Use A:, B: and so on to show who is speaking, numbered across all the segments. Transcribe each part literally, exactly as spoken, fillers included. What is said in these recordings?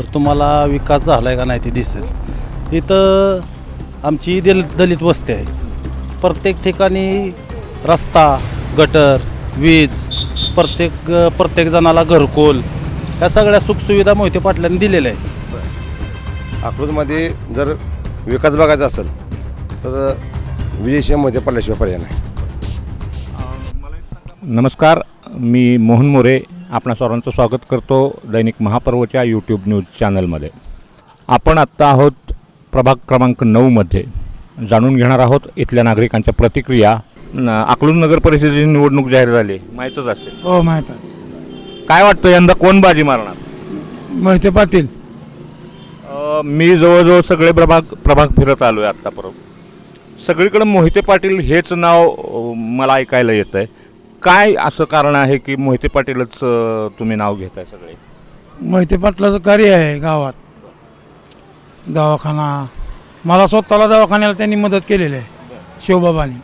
A: तर तुम्हाला विकास झाला आहे का नाही ते दिसेल. इथं आमची दल दलित वस्ती आहे. प्रत्येक ठिकाणी रस्ता, गटर, वीज, प्रत्येक प्रत्येक जणाला घरकुल, ह्या सगळ्या सुखसुविधा मोहिते पाटलांनी दिलेल्या आहेत.
B: अकलूजमध्ये जर विकास बघायचा असेल तर विजयशिवाय मोहिते पाटलाशिवाय पर्याय नाही.
C: नमस्कार, मी मोहन मोरे आपणा सर्वांचं स्वागत करतो दैनिक महापर्वच्या यूट्यूब न्यूज चॅनलमध्ये. आपण आत्ता आहोत प्रभाग क्रमांक नऊमध्ये. जाणून घेणार आहोत इथल्या नागरिकांच्या प्रतिक्रिया. अकलूज नगर परिषदेची निवडणूक जाहीर झाली, माहीतच असेल.
D: हो माहीत आहे.
C: काय वाटतं यंदा कोण बाजी मारणार?
D: मोहिते पाटील.
C: मी जवळजवळ सगळे प्रभाग प्रभाग फिरत आलो आहे आत्तापर्यंत. सगळीकडे मोहिते पाटील हेच नाव मला ऐकायला येतं आहे. काय असं कारण आहे की मोहिते पाटीलच तुम्ही नाव घेताय सगळे?
D: मोहिते पाटलाचं कार्य आहे गावात. दवाखाना, मला स्वतःला दवाखान्याला त्यांनी मदत केलेली आहे शिवबाबांनी.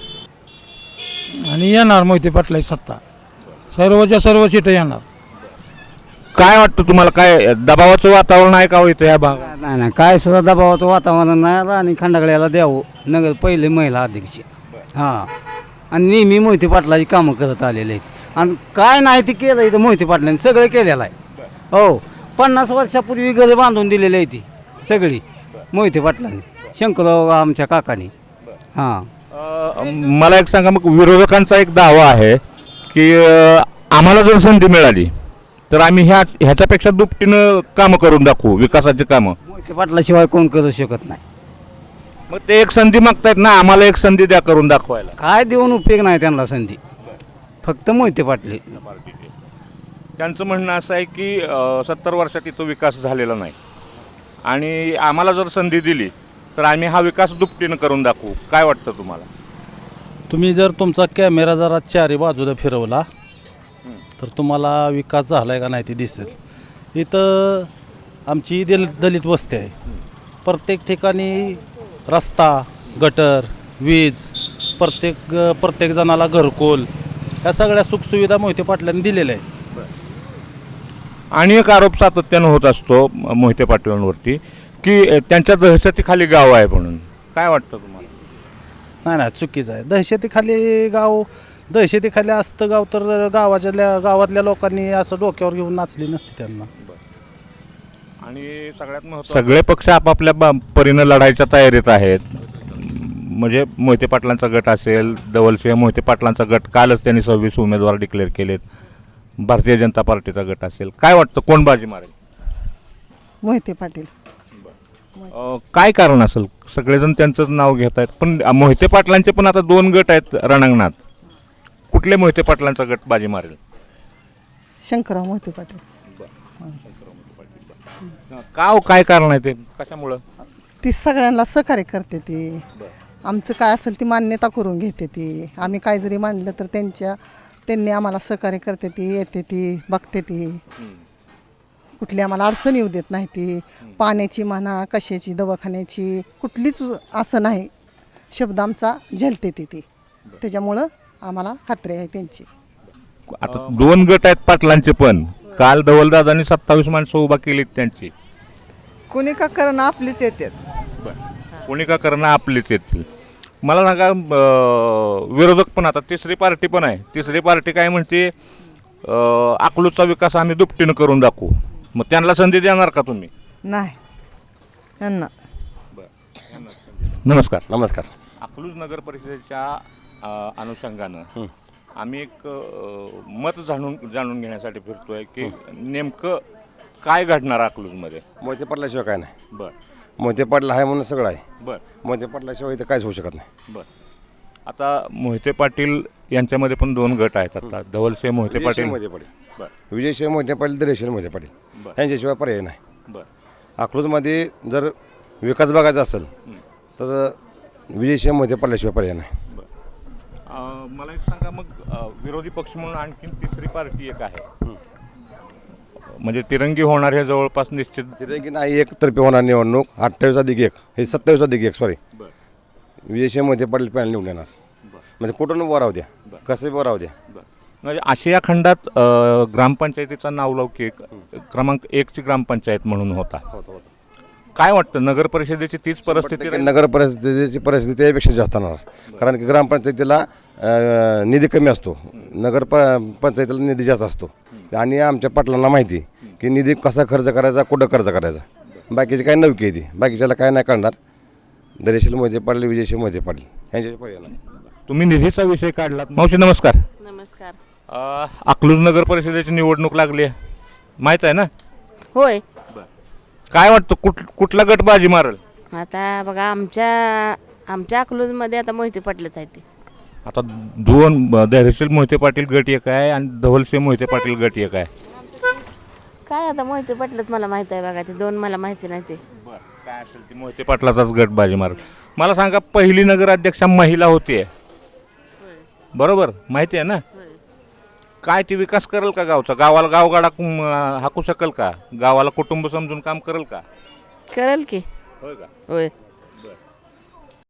D: आणि येणार मोहिते पाटलाची सत्ता, सर्वच्या सर्व सीटं येणार.
C: काय वाटतं तुम्हाला? काय दबावाचं वातावरण आहे का इथं या भागात?
E: नाही नाही, काय सुद्धा दबावाचं वातावरण नाही आलं. आणि खंडागळ्याला द्यावं नगर पहिले महिला अध्यक्ष. हां, आणि नेहमी मोहिते पाटलाची कामं करत आलेले आहेत. आणि काय नाही ते केलं इथं मोहिते पाटलांनी सगळं केलेलं आहे. हो, पन्नास वर्षापूर्वी घरे बांधून दिलेली आहे ती सगळी मोहिते पाटलांनी, शंकरराव आमच्या काकांनी. हां,
C: मला एक सांगा, मग विरोधकांचा एक दावा आहे की आम्हाला जर संधी मिळाली तर आम्ही ह्या ह्याच्यापेक्षा दुपटीनं कामं करून दाखवू, विकासाची कामं.
E: मोहिते पाटलाशिवाय कोण करू शकत नाही.
C: मग ते एक संधी मागतायत ना, आम्हाला एक संधी द्या करून दाखवायला.
E: काय देऊन उपयोग नाही त्यांना संधी, फक्त मोहिते पाटले.
C: त्यांचं म्हणणं असं आहे की सत्तर वर्षात इथं विकास झालेला नाही आणि आम्हाला जर संधी दिली तर आम्ही हा विकास दुपटीनं करून दाखवू. काय वाटतं तुम्हाला?
A: तुम्ही जर तुमचा कॅमेरा जरा चारी बाजूला फिरवला तर तुम्हाला विकास झाला आहे का नाही ते दिसेल. इथं आमची दल दलित वस्ती आहे. प्रत्येक ठिकाणी रस्ता, गटर, वीज, प्रत्येक प्रत्येक जणाला घरकुल, ह्या सगळ्या सुखसुविधा मोहिते पाटलांनी दिलेल्या आहेत.
C: आणि एक आरोप सातत्यानं होत असतो मोहिते पाटलांवरती की त्यांच्या दहशतीखाली गाव आहे म्हणून. काय वाटतं तुम्हाला?
A: नाही नाही, चुकीचं आहे. दहशतीखाली गाव, दहशतीखाली असतं गाव तर गावाच्या गावातल्या लोकांनी असं डोक्यावर घेऊन नाचली नसती त्यांना.
C: आणि सगळ्यात महत्त्वाचं, सगळे पक्ष आपापल्या बा परीनं लढायच्या तयारीत आहेत. म्हणजे मोहिते पाटलांचा गट असेल, धवलसिंह मोहिते पाटलांचा गट, कालच त्यांनी सव्वीस उमेदवार डिक्लेअर केलेत. भारतीय जनता पार्टीचा गट असेल. काय वाटतं कोण बाजी मारेल?
F: मोहिते पाटील.
C: काय कारण असेल? सगळेजण त्यांचंच नाव घेत आहेत, पण मोहिते पाटलांचे पण आता दोन गट आहेत रणांगणात. कुठले मोहिते पाटलांचा गट बाजी मारेल?
F: शंकरराव मोहिते पाटील.
C: का हो, काय कारण आहे ते? कशामुळं?
F: ती सगळ्यांना सहकार्य करते. ती आमचं काय असेल ती मान्यता करून घेते. ती आम्ही काय जरी मांडलं तर त्यांच्या त्यांनी आम्हाला सहकार्य करते. ती येते, ती बघते, ती कुठली आम्हाला अडचण येऊ देत नाही. ती पाण्याची म्हणा, कशाची, दवाखान्याची, कुठलीच असं नाही शब्द आमचा झेलते ती ती त्याच्यामुळं आम्हाला खात्री आहे त्यांची.
C: आता दोन गट आहेत पाटलांचे, पण काल धवलदादांनी सत्तावीस माणसं उभा केलीत त्यांची.
F: कोणी का करणं आपलीच येतात.
C: कोणी का करणं आपलीच येतील. मला सांगा, विरोधक पण आता तिसरी पार्टी पण आहे. तिसरी पार्टी काय म्हणते, अकलूजचा विकास आम्ही दुपटीनं करून दाखवू. मग त्यांना संधी देणार का तुम्ही?
F: नाही त्यांना.
C: नमस्कार.
B: नमस्कार.
C: अकलूज नगर परिषदेच्या अनुषंगानं आम्ही एक मत जाणून जाणून घेण्यासाठी फिरतोय की नेमकं काय घडणार अकलूजमध्ये.
B: मोहिते पाटलाशिवाय काय नाही.
C: बरं.
B: मोहिते पाटील आहे म्हणून सगळं आहे.
C: बरं.
B: मोहिते पाटलाशिवाय इथं काहीच होऊ शकत नाही.
C: बरं. आता मोहिते पाटील यांच्यामध्ये पण दोन गट आहेत आता, धवलसिंह मोहिते पाटील.
B: मोहिते पाटील.
C: बरं.
B: विजयशिवाय मोहिते पाटील, दरेशिवाय मोहिते पाटील,
C: बरं.
B: यांच्याशिवाय पर्याय नाही.
C: बरं.
B: अकलूजमध्ये जर विकास बघायचा असेल तर विजयशिवाय मोहिते पाटलाशिवाय पर्याय नाही.
C: मला एक सांगा, मग विरोधी पक्ष म्हणून आणखीन तिसरी पार्टी एक आहे, म्हणजे तिरंगी होणार हे जवळपास निश्चित.
B: तिरंगी नाही, एक तर्फे होणार निवडणूक. अठ्ठावीस अधिक एक हे सत्तावीस अधिक एक सॉरी विजयशिवाय मोहिते पाटील पॅनल निवडून येणार. म्हणजे कुठून उभं राहू द्या, कसं उभं राहू द्या,
C: म्हणजे आशिया खंडात अ, ग्रामपंचायतीचा नावलौकिक क्रमांक एकची ग्रामपंचायत म्हणून होता. काय वाटतं नगर परिषदेची तीच परिस्थिती राहील?
B: नगर परिस्थितीची परिस्थिती यापेक्षा जास्त होणार, कारण की ग्रामपंचायतीला अ, निधी कमी असतो, नगर प पंचायतीला निधी जास्त असतो. आणि आमच्या पाटलांना माहिती की निधी कसा खर्च करायचा, कुठं खर्च करायचा. बाकीची काय नवकी आहे ती, बाकीच्याला काय नाही कळणार. धैर्यशील मोहिते पाटील, विजयशील मोहिते पाटील यांच्या पर्याय नाही.
C: तुम्ही निधीचा विषय काढलात. मावशी नमस्कार.
G: नमस्कार.
C: अ, अकलूज नगर परिषदेची निवडणूक लागली आहे, माहीत आहे ना?
G: होय.
C: काय वाटतं कुठ कुठला गट बाजी मारल?
G: आता बघा आमच्या आमच्या अकलूजमध्ये आता मोहिते पाटलंच आहे ते.
C: आता दोन ब- धैर्यशील मोहिते पाटील गट एक आहे आणि धवलसिंह मोहिते पाटील गट एक आहे.
G: काय आता मोहिते पाटलंच मला माहित आहे बघा, ते दोन मला माहिती नाही ते.
C: काय असेल ती मोहिते पाटलाचाच गट बाजी मारल. मला सांगा, पहिली नगराध्यक्षा महिला होती, बरोबर? माहिती आहे ना? काय ती विकास करेल का गावचा? गावाला गावगाडा कुं- हाकू शकेल का? गावाला कुटुंब समजून काम करेल का?
G: करेल की.
C: होय का?
G: होय.